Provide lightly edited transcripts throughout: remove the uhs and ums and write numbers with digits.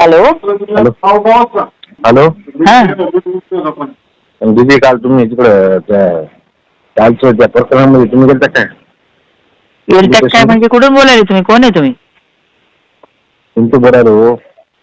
Hello hello hello हा दीदी काल तुम्ही तिकडं कालच्या त्या प्रकरणामध्ये तुम्ही गेलता काय? गेलतात काय म्हणजे कुठून बोलायले तुम्ही? कोण आहे तुम्ही? तुमचं बोलायला हो.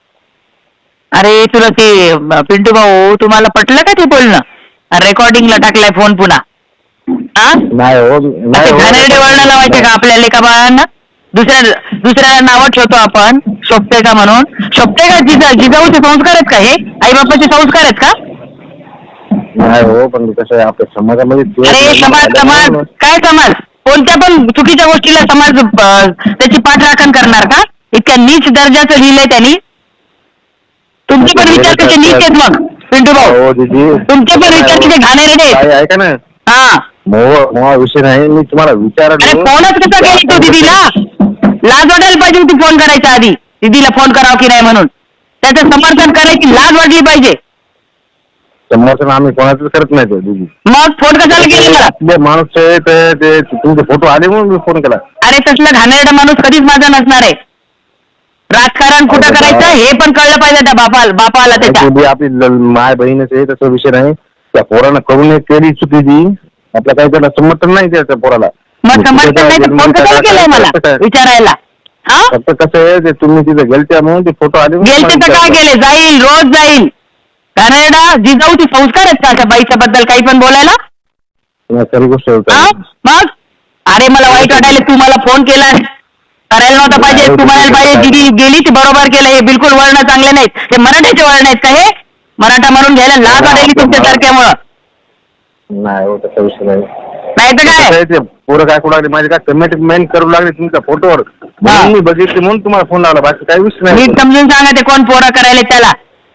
अरे तुला ते पिंटू भाऊ तुम्हाला पटलं का ते बोलणं? रेकॉर्डिंगला टाकलाय फोन पुन्हा. हा नाही हो नाही असे हो घाणेरडे वळण लावायचे का आपल्या लेखा बाळांना? दुसऱ्याला नावं ठेवतो आपण शोभते का म्हणून. शोभते का? जिजाऊचे संस्कार आहेत का हे? आई बापाचे संस्कार आहेत का? नाही हो पण कसं आहे आपल्या समाजामध्ये अरे समाज समाज काय समाज? कोणत्या पण चुकीच्या गोष्टीला समाज त्याची पाठराखण करणार का? इतक्या नीच दर्जाचं लिहिलंय त्यांनी. तुमचे पण विचार कसे नीच आहेत मग पिंटू भाऊ? हो दीदी तुमचे पण विचार किती घाणेरडे आहेत. ऐका ना हा मोहा विषय नाही मी तुम्हाला अरे विचारलं. फोनच कसा केली तू दीदीला? लाज वाटायला पाहिजे होती फोन करायच्या आधी. दीदीला फोन करावं की नाही म्हणून. त्याचं समर्थन करायची लाज वाटली पाहिजे. समर्थन आम्ही कोणाचंच करत नाही ते दीदी. मग फोन कशाला केला मला? आपले माणूस आहे ते तुमचे फोटो आले म्हणून मी फोन केला. अरे तसलं घाणेरडा माणूस कधीच माझा नसणार आहे. राजकारण कुठं करायचं हे पण कळलं पाहिजे त्या बापाला त्याच्या. आपली माय बहीणच आहे तसा विषय नाही. त्या पोरानं करून केली चुकी ती आपल्या काही त्याला समर्थन नाही त्या पोराला. मग समर्थन नाही तर फोन कशाला केलाय मला विचारायला? हा फक्त कसं आहे ते तुम्ही तिथे गेलत्या म्हणून ते फोटो आले. गेलते तर काय केले? जाईल रोज जाईल. घाणेरडा जिजाऊची संस्कार आहेत का त्या बाईच्या बद्दल काही पण बोलायला? खरी गोष्ट मग अरे मला वाईट वाटायला तू मला फोन केला करायला नव्हता पाहिजे. तू म्हणायला पाहिजे दिदी गेली ती बरोबर केलं. हे बिलकुल वळण चांगले नाहीत. हे मराठ्याचे वळण आहेत का हे? मराठा म्हणून घ्यायला लाज वाटायली तुमच्यासारख्यामुळं. नाही हो तसा विषय नाही. नाही तर काय ते पोरं काय कुठं माझे काय कमेंट मेन करू लागले तुमच्या फोटोवर म्हणून मी बघितले म्हणून तुम्हाला फोन लावला. बाकी काही विषय नाही. नीट समजून सांगा ते कोण पोरं करायला त्याला.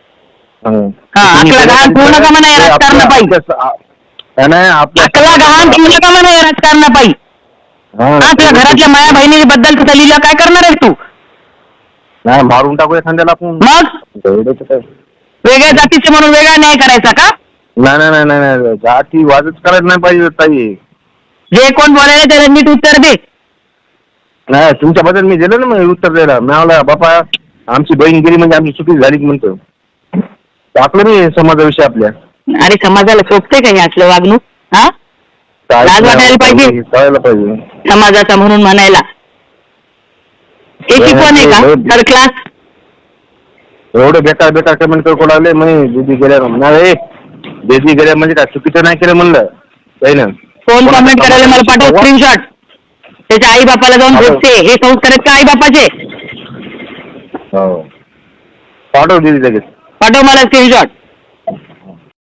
आपला घाण ठेवू नका म्हणा राजकारणापायी. नाही आपला घाण ठेवू नका म्हणा राजकारणापायी. आपल्या घरातल्या माया बहिणीबद्दल तुझं लिहिलं काय करणार आहेस तू? नाही मारून टाकू एखाद्याला आपण. मग वेगळ्या जातीचे म्हणून वेगळा न्याय करायचा का? नाही नाही नाही नाही जाती वादच करायला नाही पाहिजे ताई. जे कोण बोलायला त्याला नीट उत्तर दे. नाही तुमच्याबद्दल मी दिलं ना मग उत्तर द्यायला. मला बापा आमची बहीण गेली म्हणजे आमची चुकी झाली म्हणतो. टाकलं मी समाजाविषयी आपल्या. अरे समाजाला शोभते का हे असलं वागणूक? हा लाज वाटायला पाहिजे कळायला पाहिजे समाजाचा म्हणून म्हणायला. हे शिकवण आहे का थर्ड क्लास? एवढे बेकार बेकार कमेंट करू लागले म्हणे दीदी गेल्या नाही दीदी गेल्या म्हणजे काय चुकीचं नाही केलं म्हणलं काही ना. कोण कमेंट करायला मला पाठव स्क्रीनशॉट. त्याच्या आई बापाला जाऊन भेटते. हे संस्कार आहेत का आई बापाचे? हो पाठव दीदी लगेच पाठव मला स्क्रीनशॉट.